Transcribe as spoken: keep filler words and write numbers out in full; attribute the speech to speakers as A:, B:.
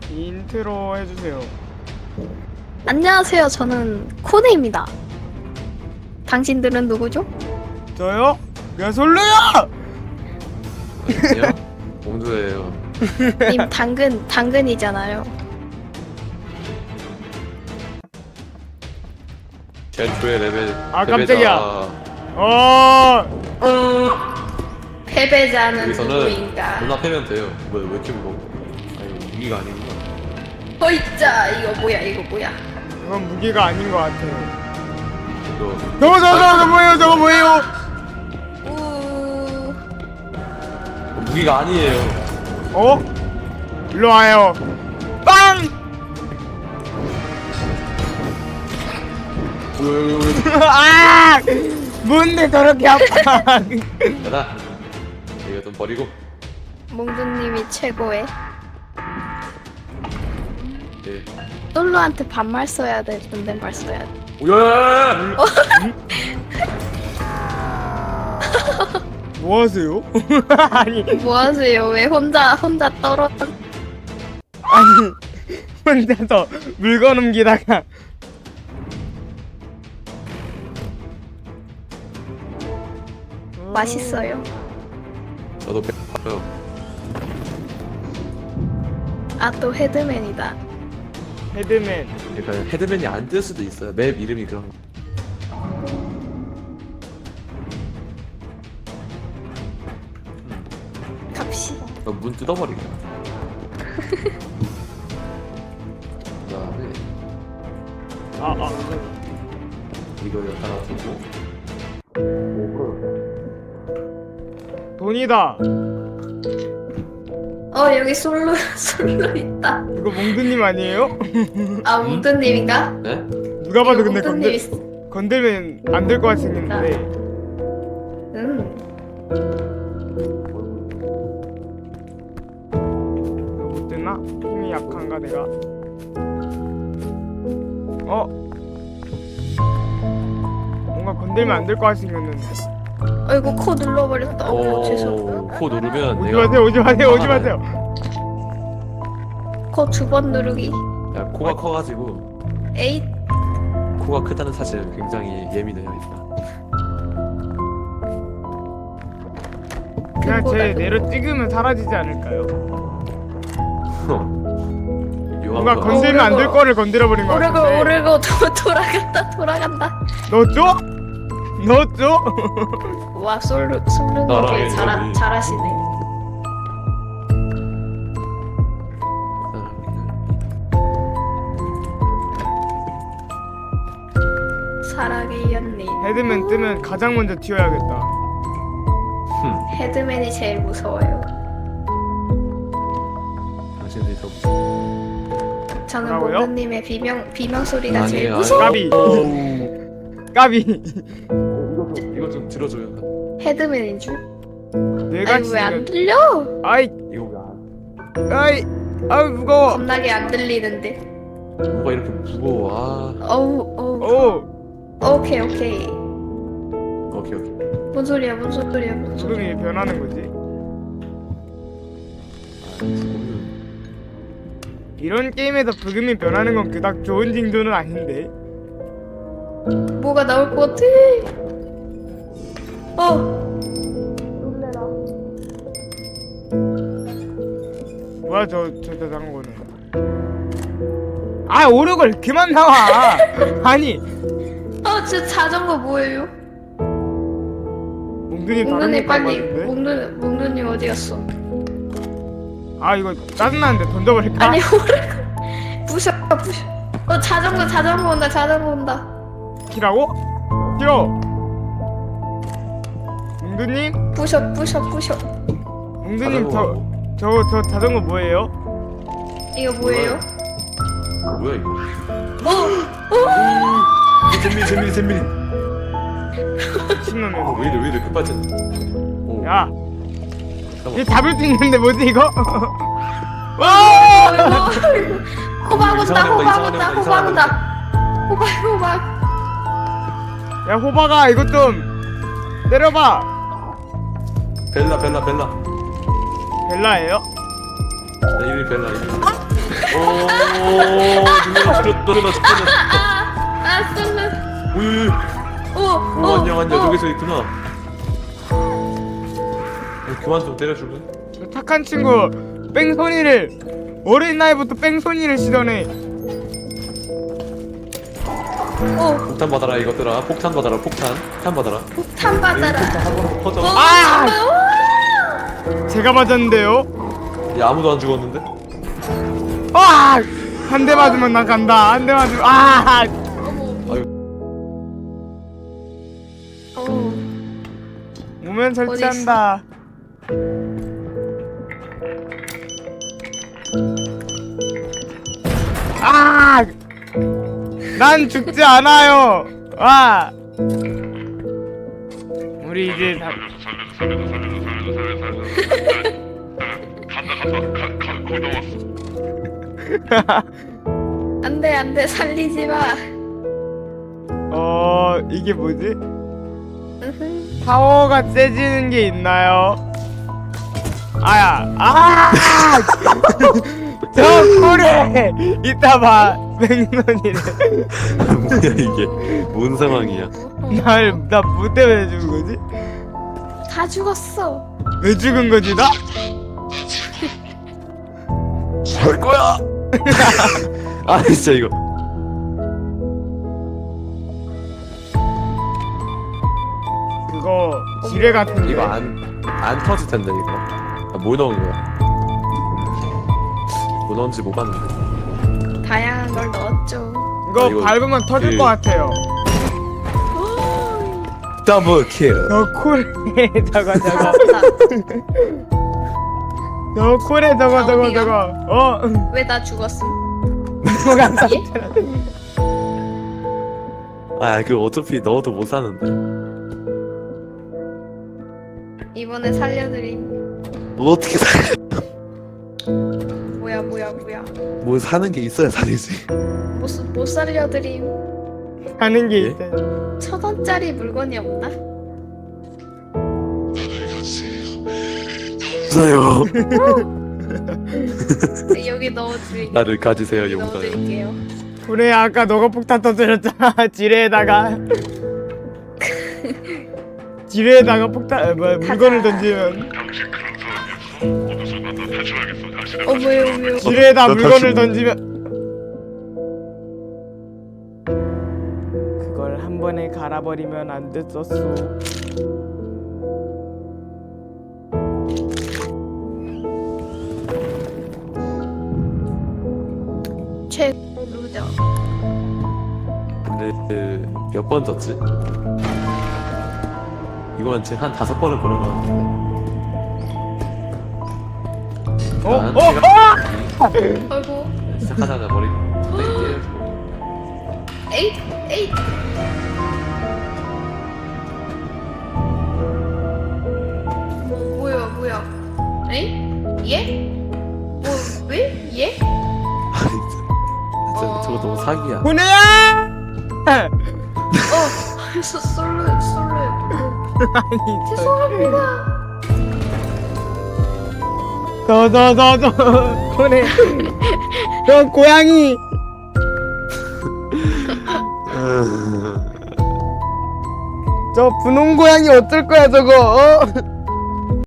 A: 인트로 해주세요.
B: 안녕하세요. 저는 코네입니다. 당신들은 누구죠?
A: 저요? 야 솔루야!
C: 아니요? 공주예요.
B: 님 당근 당근이잖아요.
C: 제초의 레벨.
A: 아,
C: 패배자.
A: 깜짝이야. 어.
B: 패배자는
C: 여기서는
B: 누구인가?
C: 누나 패면 돼요. 뭐, 왜 이렇게 무거워? 아니, 무기가 아니구나.
B: 허이짜 이거 뭐야 이거 뭐야?
A: 이건 무기가 아닌 것 같아요.
C: 이거.
A: 저거 저거 저거 뭐예요? 저거 뭐예요?
B: 우
C: 무기가 아니에요.
A: 어? 일로 와요. 빵!
C: 왜, 왜, 왜.
A: 아! 뭔데 저렇게 아파?
C: 야다. 이거 좀 버리고.
B: 몽두님이 최고의.
C: 예.
B: 솔로한테 반말 써야 돼. 존댓말 써야 돼.
C: 오야야야야!
A: 뭐 하세요? 아니
B: 뭐 하세요? 왜 혼자 혼자 떨어?
A: 아니 혼자서 물건 옮기다가
B: 맛있어요.
C: 저도 배고파요.
B: 아 또 헤드맨이다.
A: 헤드맨.
C: 그러니까 헤드맨이 안 뜰 수도 있어요. 맵 이름이 그런 거.
B: 갑시다.
C: 어, 문 뜯어버리게. 그다음에
A: 아 아.
C: 이거 하나 두고.
A: 돈이다.
B: 어 여기 솔로 솔로 있다.
A: 이거 몽두님 아니에요?
B: 아 몽두님인가?
C: 네?
A: 누가 봐도 근데
B: 몽두님
A: 건들
B: 있...
A: 건들면 안 될 것 같이 생겼는데.
B: 음.
A: 이거 못 되나? 힘이 약한가 내가? 어? 뭔가 건들면 안 될 것 같이 생겼는데.
B: 아이고 코 눌러버렸다. 어, 죄송해요.
C: 코 누르면
A: 오지
C: 내가
A: 마세요, 오지 마세요, 오지 마세요.
B: 코 두 번 누르기.
C: 야, 코가 커가지고
B: 에잇.
C: 코가 크다는 사실 굉장히 예민해요 일단.
A: 그냥
B: 그거다,
A: 제
B: 그거.
A: 내려 찍으면 사라지지 않을까요? 뭔가
C: 묘한 거.
A: 건들면 안 될
B: 오르고.
A: 거를 건드려 버린 것
B: 오르고
A: 같은데.
B: 오르고 도, 돌아간다 돌아간다.
A: 넣었죠? 넣었죠?
B: 와 솔로 솔로님
C: 나랑의
B: 되게 잘하,
C: 저기.
B: 잘하시네. 사랑의 연님.
A: 헤드맨 뜨면 가장 먼저 튀어야겠다.
B: 헤드맨이 제일 무서워요.
C: 당신들이 더 무서워.
B: 저는
A: 뭐라고요?
B: 몽두님의 비명 비명 소리가
C: 아니에요,
B: 제일
C: 아니에요.
B: 무서워.
A: 까비. 까비.
C: 이거 좀 이거 좀 들어줘요.
B: 헤드맨인 줄.
A: 내가
B: 아니 왜 안
A: 지금
B: 들려?
A: 아이
C: 이거 왜 안?
A: 아이 아이 무거워.
B: 겁나게 안 들리는데.
C: 뭐가 이렇게 무거워? 아.
B: 어우 어우.
A: 오
B: 오케이 오케이.
C: 오케이 오케이.
B: 뭔 소리야 뭔 소리야 뭔 소리야.
A: 부금이 변하는 거지.
C: 아, 지금
A: 이런 게임에서 부금이 변하는 건 그닥 좋은 징조는 아닌데.
B: 뭐가 나올 것 같아. 어. 놀래라.
A: 뭐야 저 저 자전거는. 아 오르골 그만 나와. 아니
B: 어, 저 자전거 뭐예요?
A: 몽두님 다른
B: 몽두님
A: 거
B: 빨리.
A: 같은데.
B: 몽두 몽두님 어디 갔어?
A: 아 이거 짜증나는데 던져버릴까?
B: 아니 오래. 부셔 부셔. 어 자전거 자전거 온다 자전거 온다.
A: 키라고? 키로. 몽두님?
B: 부셔 부셔 부셔.
A: 몽두님 저 저 저 자전거 뭐예요?
B: 이거 뭐예요?
C: 어, 뭐야 이거?
B: 어.
C: 잼민이 잼민이 잼민이.
A: 미친놈이야.
C: 어, 왜 이래 왜 이래 급발진? 오.
A: 야,
C: 잠깐만.
A: 얘 잡을 수 있는데 뭐지 이거? 와!
B: 아이고, 호박 온다
C: 이상한
B: 호박
C: 애다,
B: 온다
C: 이상한
B: 호박
C: 애다,
B: 온다. 호박 호박.
A: 야 호박아 이거 좀 때려봐.
C: 벨라 벨라 벨라.
A: 벨라예요?
C: 내 이름이 벨라 이름. 누나 죽였다 누나 죽였다.
B: 아 쏠르.
C: 오유.
B: 오,
C: 오
B: 오,
C: 안녕 안녕
B: 오.
C: 저기서 있구나. 어, 그만 좀 때려줄래?
A: 저 착한 친구 뺑소니를 어린 나이부터 뺑소니를 시더네.
B: 오,
C: 폭탄 받아라 이것들아. 폭탄 받아라 폭탄. 폭탄 받아라.
B: 폭탄 받아라.
C: 폭탄 한 번으로 퍼져.
B: 오,
A: 아!
B: 정말,
A: 제가 맞았는데요.
C: 야 아무도 안 죽었는데?
A: 아! 한 대 맞으면 나 간다. 한 대 맞으면 아!
B: 어머.
C: 아유.
B: 오,
A: 오면 설치한다. 아! 난 죽지 않아요. 와! 우리 이제 다
B: 안돼 안돼 살리지 마.
A: 어, 이게 뭐지?
B: 으흠.
A: 파워가 세지는 게 있나요? 아야, 아! 저 꿀에 이따 봐, 맹론이래.
C: 뭐야 이게? 뭔 상황이야?
A: 날, 나 뭐 때문에 죽은 거지?
B: 다 죽었어.
A: 왜 죽은 거지, 나?
C: 할 거야. 아 진짜 이거.
A: 그거 지뢰 같은데.
C: 이거 안 안 터질 텐데 이거. 아, 뭐 넣은 거야? 뭐 넣은지 못 봤는데.
B: 다양한 걸 넣었죠.
A: 이거
C: 아, 이거
A: 밟으면 터질
C: 그-
A: 것 같아요.
B: 오,
C: 더블 킬.
A: 저 콜에 저거 저거
B: 살았다.
A: 저 콜에 저거
B: 아,
A: 저거
B: 어디가?
A: 저거 어
B: 왜 나 죽었음?
A: 뭐가
B: 예?
C: 아 그 어차피 넣어도 못 사는데.
B: 이번에 살려드림.
C: 뭐 어떻게 사?
B: 뭐야 뭐야 뭐야.
C: 뭐 사는 게 있어야 살이지.
B: 못, 못 살려드림.
A: 하는 게
C: 예?
A: 있대.
B: 천 원짜리 물건이 없나?
C: 없어요.
B: 네, 여기 넣어드릴게요.
C: 나를 가지세요
B: 여기
C: 용사요.
B: 넣어드릴게요.
A: 그래 아까 너가 폭탄 터뜨렸잖아. 지뢰에다가 지뢰에다가 폭탄 아, 뭐야 물건을 던지면
B: 어 뭐예요 뭐예요.
A: 지뢰에다
C: 나
A: 물건을
C: 당신-
A: 던지면 그걸 한 번에 갈아버리면 안 됐었어.
B: 최 루저.
C: 근데 그, 몇 번 졌지? 이건 지금 한 다섯 번을 보는 거 같은데.
A: 어?
C: 난
A: 어?
C: 제가-
A: 어?
B: 아이고.
C: 시작하자마자 머리 땡겨.
B: 에잇 에잇. 뭐 뭐야 뭐야. 에이? 예? 뭐 왜? 예?
C: 아 진짜. 진짜 저거 너무 사기야.
A: 보내야!
B: 어. 소, 솔로 솔로.
A: 아니 저
B: 죄송합니다.
A: 저저저저 보내 저 고양이 저 분홍 고양이 어쩔 거야 저거 어?